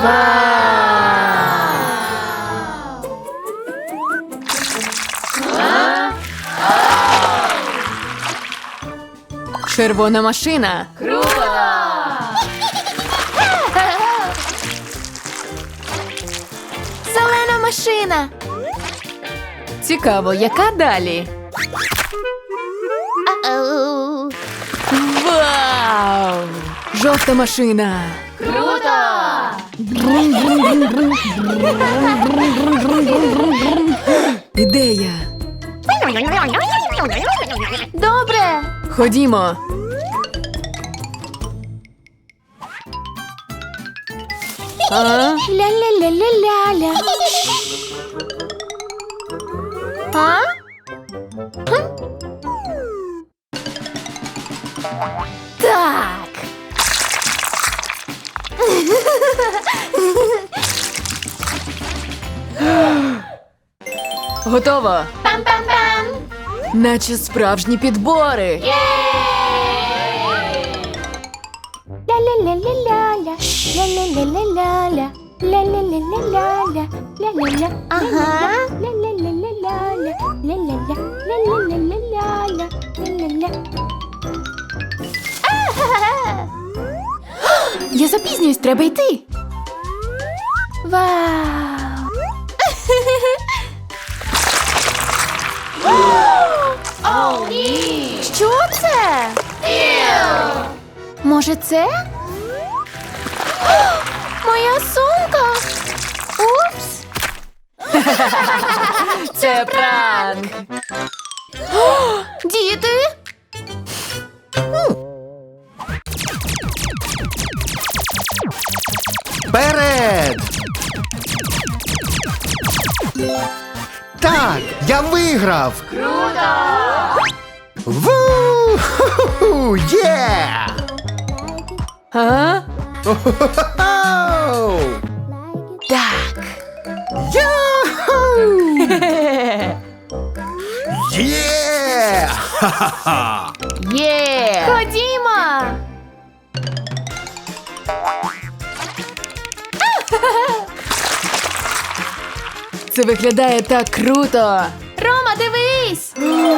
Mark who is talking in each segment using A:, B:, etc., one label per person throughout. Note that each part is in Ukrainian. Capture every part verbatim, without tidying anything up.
A: Червона машина.
B: Круто!
C: Зелена машина.
A: Цікаво, яка далі?
C: Ау.
A: Вау! Жовта машина.
B: Круто!
A: Ідея.
C: Добре.
A: Ходімо. А?
C: Ля-ля-ля-ля-ля-ля. А? Хм. Так.
A: Готово.
C: Пам-пам-пам.
A: Наче справжні підбори.
C: Ля-ля-ля-ля-ля-ля. Ля-ля-ля-ля-ля-ля. Ля-ля-ля-ля-ля-ля. Ля-ля-ля. Ага. Ля-ля-ля-ля-ля-ля. Ля-ля-ля. Ля-ля-ля-ля-ля-ля. Ля-ля-ля. Ахахаха.
A: Я запізнююсь, треба йти.
C: Вау.
B: О, ні!
C: Що це? Може, це? Моя сумка. Упс.
A: Це пранк.
C: Діти.
D: Вперед! Так, я виграв!
B: Круто!
D: Ву-ху-ху! Є!
A: А?
D: О-хо-хо-хо!
A: Так.
D: Яху! Є! Ха-ха-ха!
A: Є!
C: Ходімо.
A: Це виглядає так круто.
C: Рома, дивись.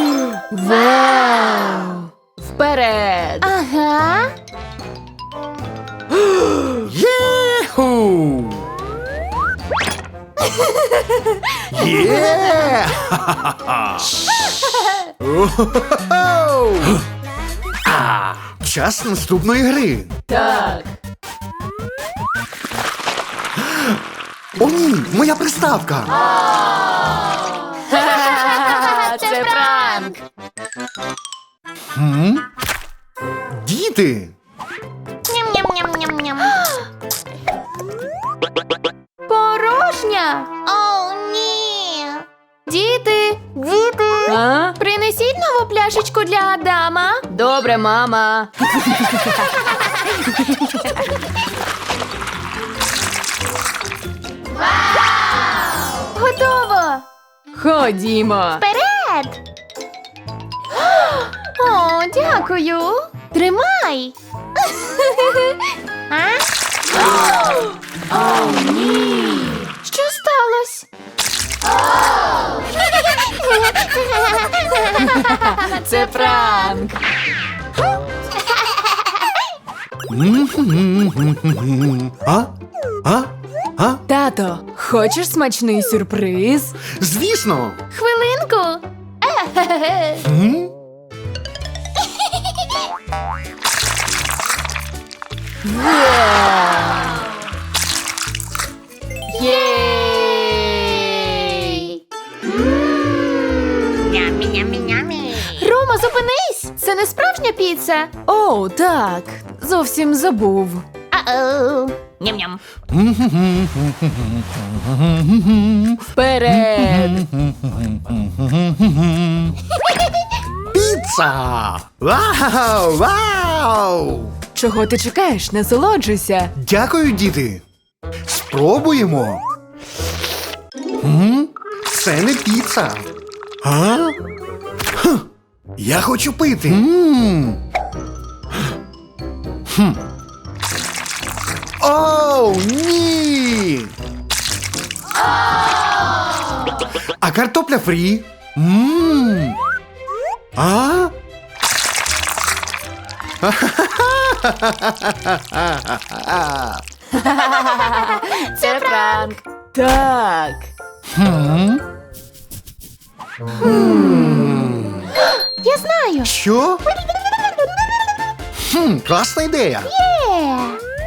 A: Вау! Вперед!
C: Ага.
D: Єху! Є! Ха-ха-ха! О-хо-хо-хо! А, час наступної гри.
A: Так.
D: О, ні, моя приставка.
A: Це пранк.
D: М? Діти.
C: Ням-ням-ням-ням-ням. Порожня. О, ні. Діти. Діти.
A: А?
C: Принесіть нову пляшечку для Адама.
A: Добре, мама.
C: Готово.
A: Ходімо.
C: Вперед. О, дякую. Тримай. А?
A: О, ні.
C: Що сталося?
A: Це пранк.
D: А? А? А?
A: Тато, хочеш смачний сюрприз?
D: Звісно.
C: Хвилинку.
D: М?
C: Єй! Рома, зупинись! Це не справжня піца.
A: О, так. Зовсім забув.
C: А-оу. Ням-ням.
A: Вперед!
D: Піца! Вау! Вау!
A: Чого ти чекаєш? Насолоджуйся.
D: Дякую, діти. Спробуємо. М? Це не піца. А? Хм. Я хочу пити. М. Хм. Оу, ні! ні. А картопля фрі? Мм. А?
C: Це пранк.
A: Так.
D: Хм?
C: Я знаю.
D: Що? Хм, класна ідея.
C: Є.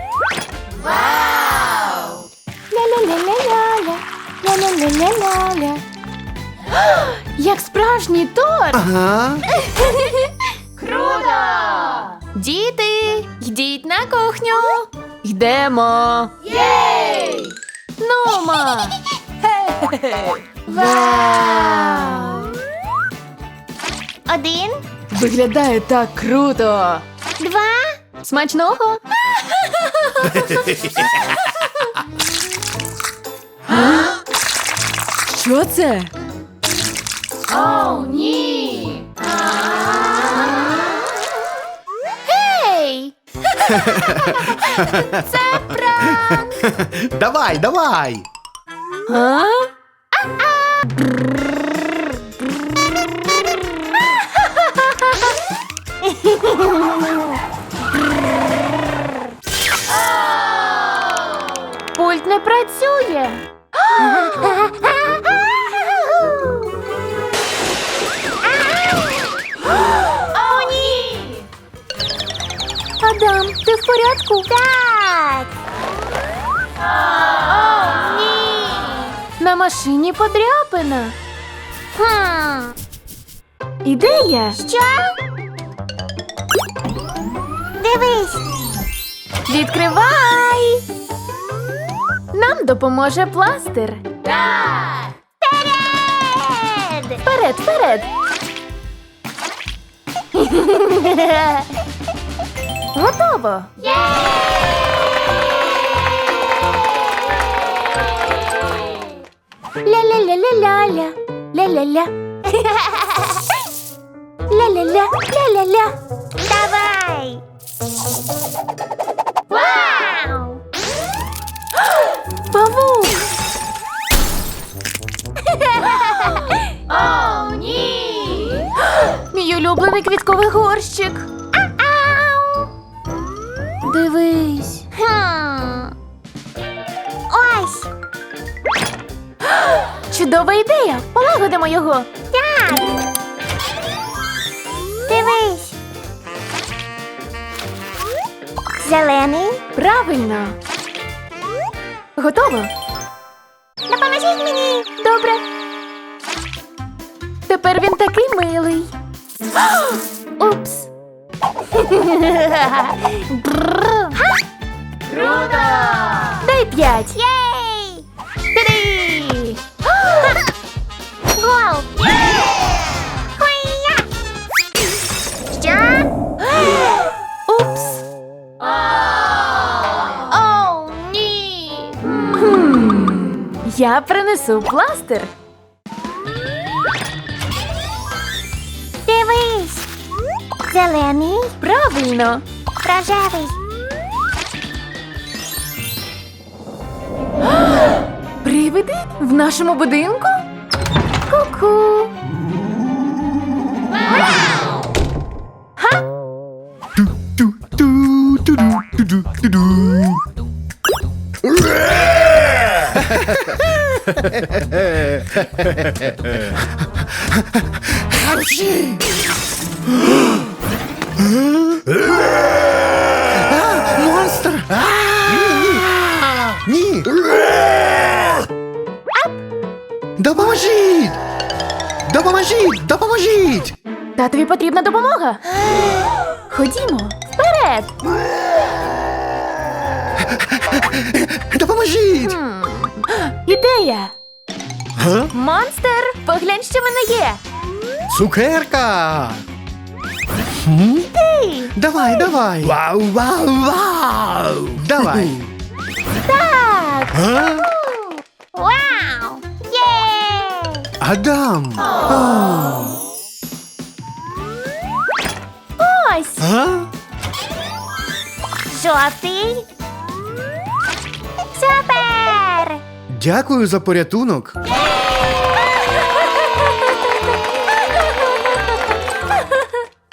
C: Ля-ля-ля-ля-ля-ля. Ля-ля-ля-ля-ля-ля. Як справжній торт.
D: Ага.
B: Круто!
C: Діти, йдіть на кухню. Йдемо.
B: Єй!
C: Нумо. Вау. Один,
A: Виглядає так круто.
C: два. Смачного.
A: Що це?
B: О, ні!
C: Гей! Це пранк.
D: Давай, давай.
A: А?
C: Пульт не працює.
B: О, ні!
C: Адам, ти в порядку? Так.
B: О, ні!
C: На машині подряпина. Хм.
A: Ідея.
C: Що? Дивись. Відкривай. Нам допоможе пластир.
B: Так!
C: Вперед! Вперед, вперед! Готово! Ля-ля-ля-ля-ля-ля. Ля-ля-ля. Ля-ля-ля, ля-ля-ля. Давай! Вау! Павук!
B: О, ні!
C: Мій улюблений квітковий горщик. Ау! Дивись. Хм. Ось. Чудова ідея. Полагодимо його. Так. Дивись. Зелений.
A: Правильно.
C: Готово. Допоможіть мені. Добре. Тепер він такий милий. Упс.
B: Круто!
C: Дай п'ять. Єй! Три. Гол. Хуя! Що? Упс. Оу, ні.
A: Я принесу пластир.
C: Дивись. Зелений.
A: Правильно.
C: Рожевий.
A: Привиди в нашому будинку?
C: Ку-ку.
D: Ту-ту-ту-ту-ду-ту-ду. Харчі! А, монстр! Ні! Ні! Допоможіть! Допоможіть! Допоможіть!
C: Татові потрібна допомога. Ходімо. Вперед.
D: Допоможіть!
C: Хм. Ідея.
D: Га?
C: Монстр, поглянь, що в мене є.
D: Цукерка! Хм?
C: Ти.
D: Давай, давай! Вау, вау, вау! Давай!
C: Так.
D: А?
C: Вау. Є.
D: Адам! А?
C: Ось.
D: А?
C: Жовтий. Супер.
D: Дякую за порятунок.